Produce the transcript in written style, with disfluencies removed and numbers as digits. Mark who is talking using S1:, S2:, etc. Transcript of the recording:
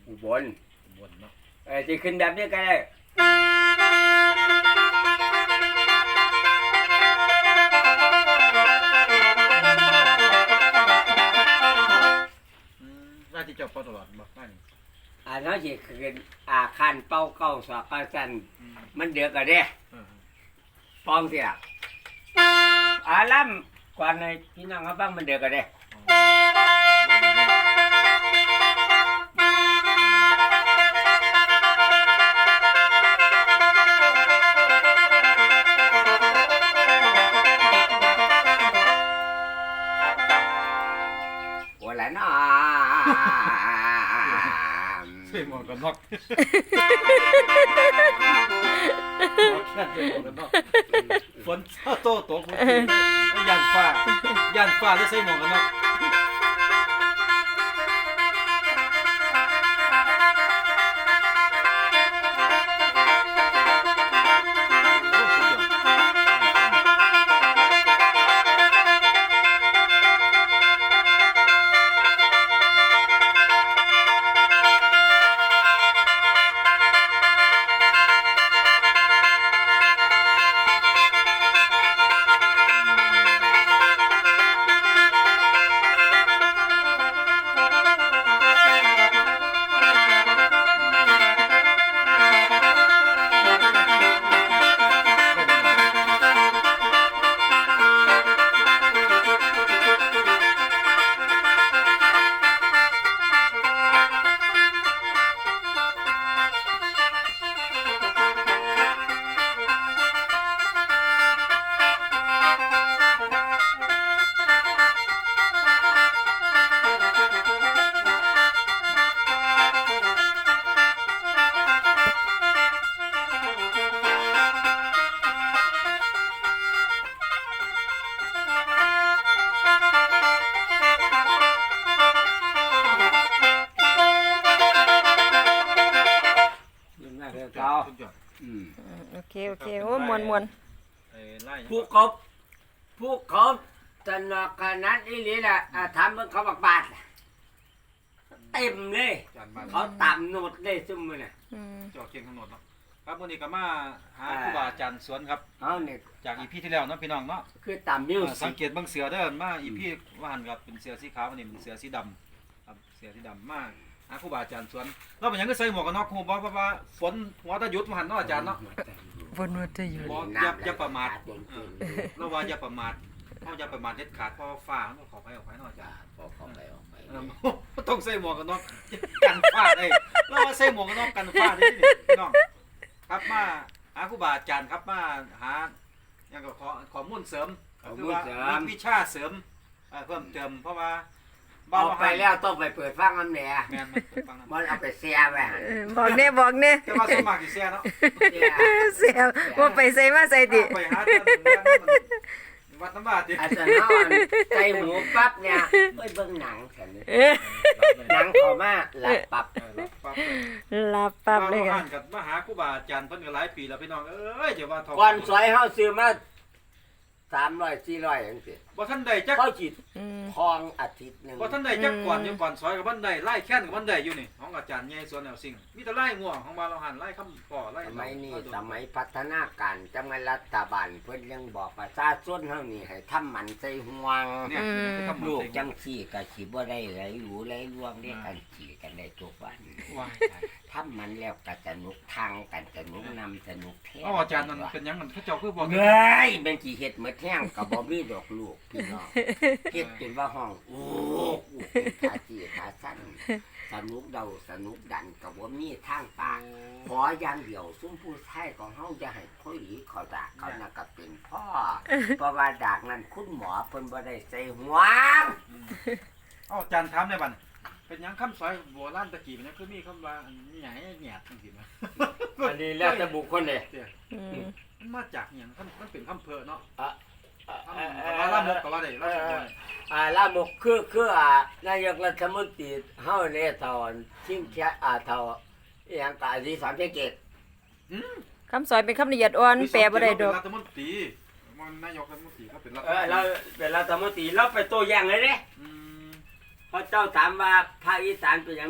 S1: อุบล
S2: เนาะ
S1: ที่ขึ้นแบบนี้ก็ได้
S2: ว่าที่เจ้าเป่าตลอดบ่ได้
S1: น้องสิขึ้นคันเป่าเก้าสอกเก้าสั้นมันเดือดก็ได้ปองเสียล่ำก่อนในพี่น้องเขาบ้างมันเดือดก็ได้วันละน้อ
S2: ใส่หมวกกันน็อกฝนโตตกยันฟ้าแล้วใส่หมวกกันน็อก
S3: โอเคโอ้มวน
S1: ผู้เขาสนุกขนาดนี้แหละถามมึงเขาบักบาทเต็มเลยเขาต่ำโนดเลยซุ่มมือน่ะ
S2: จอดเคียงถนนเนาะครับวันนี้ก็มาหาครูบาอาจารย์สวนครับจากอีพีที่แล้วเนาะพี่น้องเนาะ
S1: คือต่ำมิว
S2: สังเกตบางเสือเด้อมาอีพีว่าหันครับเป็นเสือสีขาววันนี้เป็นเสือสีดำครับเสือสีดำมากหาครูบาอาจารย์สวนเราเป็นยังก็ใส่หมวกกันน็อกหูบอกว่าฝนหัวตะยุดมาหันเนาะอาจารย์เนาะ
S3: ฝนหัวตะยุด
S2: อย่าประมาทเราว่าอย่าประมาทเขาอย่าประมาทเด็ดขาดเพราะฟ้าเขาขอไปออกไปเนาะอาจารย์ต้องใส่หมวกกันน็อกกันฟ้าได้เราว่าใส่หมวกกันน็อกกันฟ้าได้พี่น้องครับมาหาครูบาอาจารย์ครับมาหาอย่างก็ขอมุ่นเสริมคือว่ามีวิชาเสริมเพิ่มเติมเพราะว่า
S1: เอาไปแล้วต้องไปเปิดฟังน้ำแหน่มันเอาไปเสียไป
S3: บอกเนี่ย
S2: จะมาสมัครกี่เสียเนาะ
S3: เสียว่าไปใส่มาใส่ดิ
S2: ไปหาวัดน้ำบาดดิ
S1: อาจารย์นอนใจหมูปั๊บเนี่ยไปเบิ่งหนังฉันหนังพอมากหลับปั๊บ
S3: เลย
S2: กันกับมหาครูบาอาจารย์เพิ่นก็หลายปีแล้วพี่น้องเอ้ยเดี๋ยวว่า
S1: ก่อนสวยเฮาซื้อมา300 400จังซี่
S2: บ่ทันได้จัก
S1: เขาจิตทองอาทิตย์นึง
S2: บ่ทันได้จักก่อนอยู่ก่อนซอยกับบ้านใดไล่แค้นกับบ้านใดอยู่นี่ของอาจารย์ใหญ่สวนแนวสิ่งมีแต่ไล่ง่วงของบ้านเราหันไล่คำก่อไล่
S1: สมัยนี้สมัยพัฒนาการจังหวัดรัฐบาลเพิ่นยังบอกประชาชนเฮานี่ให้ทำมันใส่ห่วง
S2: เนี่ย
S1: ลูกจังซี่ก็สิบ่ได้ไหลหูไหลร่วงได้กันขี่กันได้ทุกวันทำมันแล้วก็สนุกทางกันสนุกนำสนุกแท้
S2: อาจารย์นั่นเป็นหยังมันเขาเจ้าคือบอก
S1: เฮ้ยเป็นสิเฮ็ดหมดแห้งก็บ่มีดอกลูกพี่น้องเฮ็ดจนว่าห้องโอ้ขาจีขาสั้นสนุกเดาสนุกดันกับว่ามีทางปากขออย่างเดียวซุ้มผู้ชายของเฮาจะให้พ่อหลีเขาดากเขาน่ะก็เป็นพ่อเพราะว่าดากนั้นคุณหมอเพิ่นบ่ได้ใส่หัว
S2: อาจารย์ถามได้บัดเป็นหยังคำสอยโบราณตะกี้เป็นหยังคือมีคำว่าหยังแหยดจังซี่มั้ย
S1: อันนี้แล้วแต่บุคคลเด้
S2: มันมาจากหยังมันเป็นคำเพ้อเนาะลามกก็ว่าได้
S1: ลามกคือนายกรัฐมนตรีเฮาเนี่ยตอนชิงแค่เท่าอย่างกะที่สอนเกต
S3: คำสอนเป็นคำละเอียดอ่อนแปลบ่ได้ดอก
S2: รัฐมนตรีมันนายกรัฐมนตรีเขาเป็นรัฐ
S1: เราเป็นรัฐมนตรีเราไปตัวอย่างเลยเด้พระเจ้าถามว่าภาคอีสานเป็นอย่าง